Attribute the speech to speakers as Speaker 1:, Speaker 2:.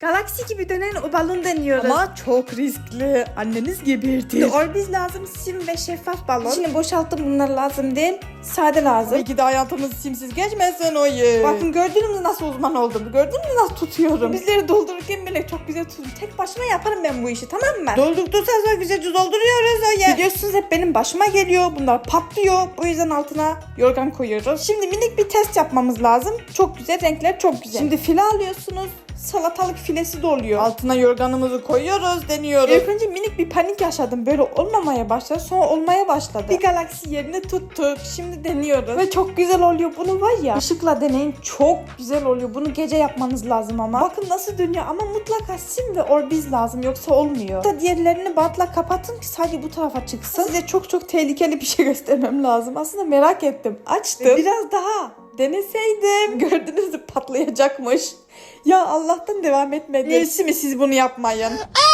Speaker 1: Galaksi gibi dönen o balon deniyoruz.
Speaker 2: Ama çok riskli. Anneniz gebertir.
Speaker 1: Orbiz lazım, sim ve şeffaf balon. Şimdi boşalttım, bunlar lazım değil. Sade lazım.
Speaker 2: Tabii ki de hayatımız simsiz geçmesin o yer.
Speaker 1: Bakın gördünüz mü nasıl uzman oldum? Gördün mü nasıl tutuyorum? Bizleri doldururken bile çok güzel tutuyorum. Tek başıma yaparım ben bu işi, tamam mı?
Speaker 2: Doldurduysa sonra güzelce dolduruyoruz o yer.
Speaker 1: Biliyorsunuz hep benim başıma geliyor. Bunlar patlıyor. Bu yüzden altına yorgan koyuyoruz. Şimdi minik bir test yapmamız lazım. Çok güzel, renkler çok güzel. Şimdi file alıyorsunuz. Salatalık filesi de oluyor.
Speaker 2: Altına yorganımızı koyuyoruz, deniyoruz.
Speaker 1: İlk önce minik bir panik yaşadım. Böyle olmamaya başladı. Sonra olmaya başladı. Bir galaksi yerini tuttuk. Şimdi deniyoruz. Ve çok güzel oluyor. Bunu var ya, ışıkla deneyin. Çok güzel oluyor. Bunu gece yapmanız lazım ama. Bakın nasıl dönüyor ama mutlaka sim ve orbiz lazım. Yoksa olmuyor. Da diğerlerini bantla kapatın ki sadece bu tarafa çıksın. Size çok tehlikeli bir şey göstermem lazım. Aslında merak ettim. Açtım. Biraz daha deneseydim. Gördünüz mü, patlayacakmış. Ya Allah'tan devam etmedi.
Speaker 2: İyisi mi siz bunu yapmayın?